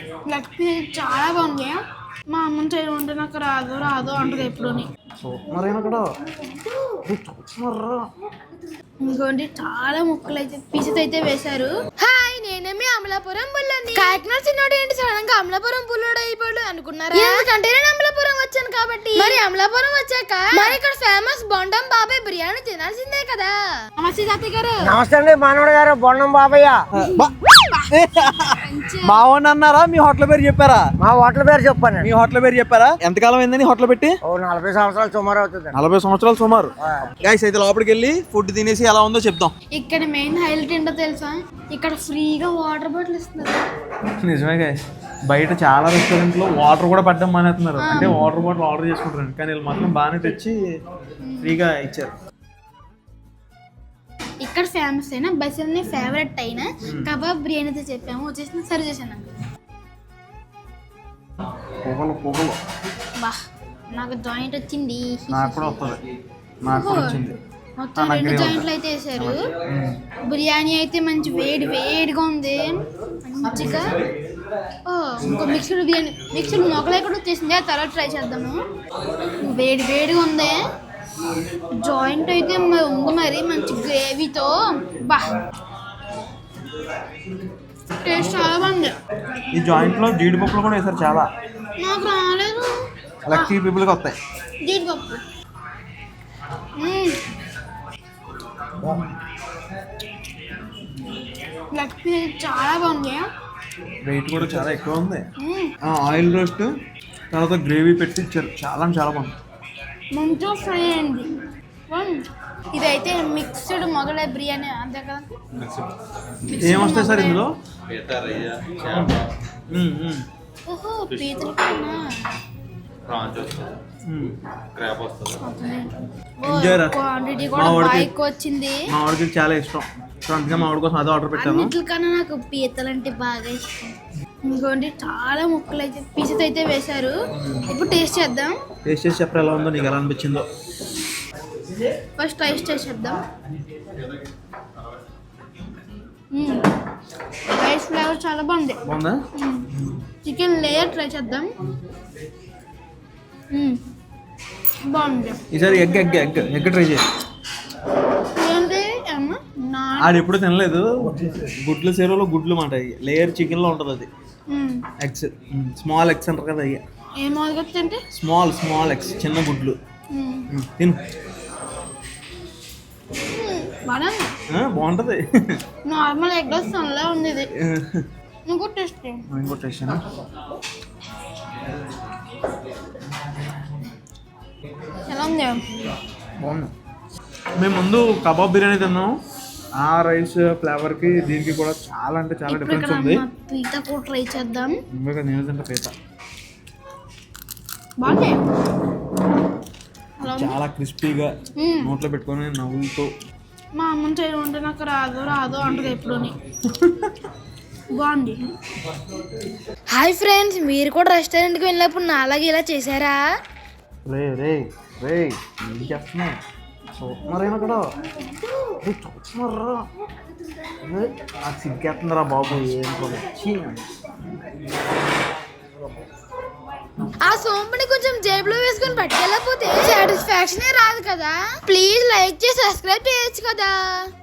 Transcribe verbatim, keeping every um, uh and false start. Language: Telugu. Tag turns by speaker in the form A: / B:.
A: లెగ్ పీస్ చాలా బాగుంది. మా అమ్మని చేయడం అంటే నాకు రాదు రాదు అంటది ఎప్పుడుని. ఇంకోటి చాలా ముక్కలు అయితే పీసెస్ అయితే వేశారు. హాయ్, నేనేమి అమలాపురం బుల్లని. కాకినాడ చిన్నోడు ఏంటి సడన్ గా అమలాపురం బుల్లోడు అయిపోయాడు అనుకున్నారా? ఎందుకంటే నేను అమలాపురం వచ్చాను కాబట్టి. మరి అమలాపురం వచ్చాక మరి ఇక్కడ ఫేమస్ బొండం బాబాయ్ బిర్యానీ తినాల్సిందే కదా. నమస్తే తాతయ్య గారు.
B: నమస్తే అండి మానవుడు గారు. బొండం బాబయ్య
C: మావోని అన్నారా? మీ హోటల్ పేరు చెప్పారా?
B: మా హోటల్ పేరు చెప్పాను.
C: మీ హోటల్ పేరు చెప్పారా? ఎంతకాలం అయిందని హోటల్ పెట్టి?
B: ఓ నలభై సంవత్సరాలు సుమారు అవుతుంది.
C: నలభై సంవత్సరాలు సుమారు. గైస్ అయితే లోపలికి వెళ్ళి ఫుడ్ తినేసి ఎలా ఉందో చెప్తాం.
A: ఇక్కడ మెయిన్ హైలైట్ ఏంటో తెలుసా? ఇక్కడ ఫ్రీగా వాటర్ బాటిల్ ఇస్తున్నారు.
C: నిజమే గైస్, బయట చాలా రెస్టారెంట్ లో వాటర్ కూడా పడ్డం మానేస్తున్నారు. అంటే వాటర్ బాటిల్ ఆర్డర్ చేసుకుంటారు, కానీ వీళ్ళు మాత్రం బాగానే తెచ్చి ఫ్రీగా ఇచ్చారు.
A: ఇక్కడ ఫేమస్ అయినా బస్సులని ఫేవరెట్ అయినా కబాబ్ బిర్యానీ అయితే చెప్పాము, వచ్చేసి సర్వ్ చేశాను. బా నాకు జాయింట్ వచ్చింది.
C: నాకు కూడా వస్తుంది. నాకు కూడా వచ్చింది.
A: మొత్తం రెండు జాయింట్లు అయితే వేసారు. బిర్యానీ అయితే మంచి వేడి వేడిగా ఉంది మంచిగా. ఇంకో మిక్స్డ్ బిర్యానీ మిక్స్డ్ మొగలై కూడా వచ్చేసింది, ఆ తర్వాత ట్రై చేద్దాము. వేడి వేడిగా ఉంది. జాయింట్ అయితే ఉంది మరి మంచి గ్రేవీతో. బా టేస్ట్ చాలా బాగుంది.
C: ఈ జాయింట్ లో జీడిపప్పులు కూడా వేసారు చాలా.
A: నాకు రాలేదు.
C: లక్కీ పీపుల్కి వస్తాయి
A: జీడిపప్పు. లెగ్ పీస్ చాలా బాగుంది.
C: వెయిట్ కూడా చాలా ఎక్కువ ఉంది. ఆయిల్ రోస్ట్ తర్వాత గ్రేవీ పెట్టి ఇచ్చారు. చాలా చాలా బాగుంది.
A: మంచిగా ఫ్రై అయింది. ఇదైతే మిక్స్డ్ మొగలై బిర్యానీ అంతే కదా.
C: ఏమొస్తాయి సార్ ఇందులో?
A: ఓహో పీతల కన్నా క్వాంటిటీ కూడా బాగా ఎక్కువ వచ్చింది.
C: మా వాడికి చాలా ఇష్టం, సో అందుకే మా వాడి కోసం అదే ఆర్డర్ పెట్టాను.
A: అన్నిటికన్నా నాకు పీతలు అంటే బాగా ఇష్టం. ఇంకోటి చాలా ముక్కలు అయితే పీసెస్ అయితే వేశారు. ఇప్పుడు టేస్ట్ చేద్దాం.
C: టేస్ట్ చేసి చెప్పరా ఎలా ఉందో, నీకు ఎలా అనిపించిందో.
A: ఫస్ట్ టేస్ట్ చేసి చేద్దాం. రైస్ ఫ్లేవర్ చాలా బాగుంది.
C: బాగుందా?
A: చికెన్ లేయర్ ట్రై చేద్దాం. బాగుంది.
C: ఈసారి egg egg egg egg try చేయి. ఆడు ఎప్పుడు తినలేదు. గుడ్లు సేరులో గుడ్లు మాట లేయర్ చికెన్ లో ఉంటది. అది ఎగ్స్, స్మాల్ ఎగ్స్ అంటారు కదా. అయ్యా
A: ఏమవుతుందంటే
C: స్మాల్ స్మాల్ ఎగ్స్, చిన్న గుడ్లు. తిను, బాగుంటది.
A: నార్మల్ ఎగ్ సన్లా ఉంది. ఇది ఇంకో టేస్ట్
C: ఇంకో టేస్ట్
A: ఎలా ఉంది?
C: బాగుంది. మేము ముందు కబాబ్ బిర్యానీ తిన్నాం. ఆ రైస్ ఫ్లేవర్ కి దీనికి కూడా చాలా అంటే చాలా డిఫరెన్స్ ఉంది.
A: పీత కూడా ట్రై చేద్దాం.
C: నేను తింటా పీత.
A: బాగుంది.
C: చాలా క్రిస్పీగా నోట్లో పెట్టుకొని నవ్వులతో.
A: మా అమ్మని చేయడం అంటే నాకు రాదు రాదు అంటది ఎప్పుడుని. బాగుంది. హాయ్ ఫ్రెండ్స్, మీరు కూడా రెస్టారెంట్కి వెళ్ళినప్పుడు నా అలాగే ఇలా చేశారా?
C: రే రే రే ఏం చేస్తున్నావు? చూస్తున్నారేమో అక్కడ చూస్తున్నారా? నాకు సిగ్గేస్తుందిరా బాబు. ఏం
A: ఆ సోంపుని కొంచెం జేబులో వేసుకొని పట్టుకెళ్ళకపోతే సాటిస్ఫాక్షన్ రాదు కదా. ప్లీజ్ లైక్ చేసి సబ్స్క్రైబ్ చేయొచ్చు కదా.